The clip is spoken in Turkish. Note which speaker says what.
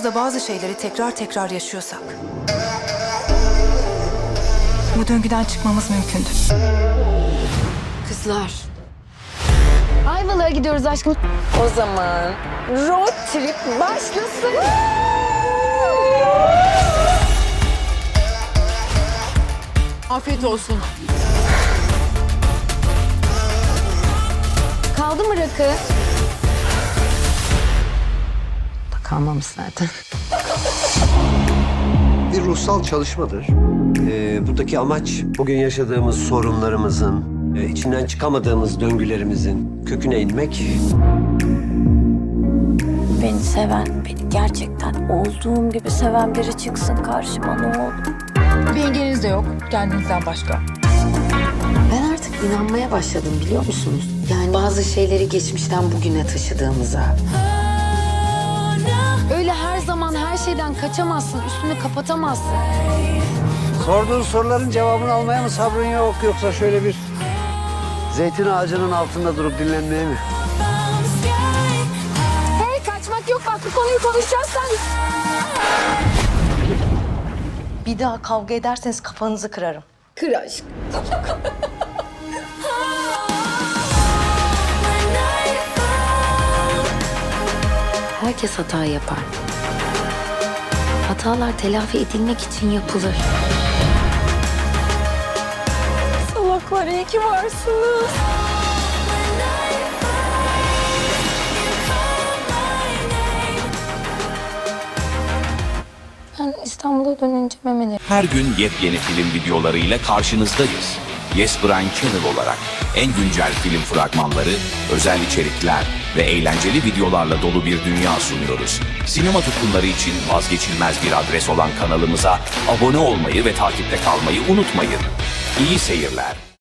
Speaker 1: hayatımızda bazı şeyleri tekrar tekrar yaşıyorsak, bu döngüden çıkmamız mümkündür.
Speaker 2: Kızlar. Ayvalık'a gidiyoruz aşkım. O zaman road trip başlasın.
Speaker 3: Afiyet olsun.
Speaker 2: Kaldı mı rakı? Kalmamış zaten.
Speaker 4: Bir ruhsal çalışmadır. Buradaki amaç bugün yaşadığımız sorunlarımızın, içinden çıkamadığımız döngülerimizin köküne inmek.
Speaker 5: Beni seven, beni gerçekten olduğum gibi seven biri çıksın karşıma ne olur.
Speaker 1: Bir engeliniz de yok kendinizden başka.
Speaker 2: Ben artık inanmaya başladım biliyor musunuz? Yani bazı şeyleri geçmişten bugüne taşıdığımıza. Öyle her zaman her şeyden kaçamazsın, üstünü kapatamazsın.
Speaker 4: Sorduğun soruların cevabını almaya mı sabrın yok, yoksa şöyle bir zeytin ağacının altında durup dinlenmeye mi?
Speaker 2: Hey, kaçmak yok, bak bu konuyu konuşacağız sen.
Speaker 5: Bir daha kavga ederseniz kafanızı kırarım.
Speaker 2: Kır aşk. Herkes hata yapar. Hatalar telafi edilmek için yapılır.
Speaker 5: Salaklar iyi ki varsınız.
Speaker 2: Ben İstanbul'a dönünce memeleri...
Speaker 6: Her gün yepyeni film videolarıyla karşınızdayız. Yes Brand Channel olarak en güncel film fragmanları, özel içerikler ve eğlenceli videolarla dolu bir dünya sunuyoruz. Sinema tutkunları için vazgeçilmez bir adres olan kanalımıza abone olmayı ve takipte kalmayı unutmayın. İyi seyirler.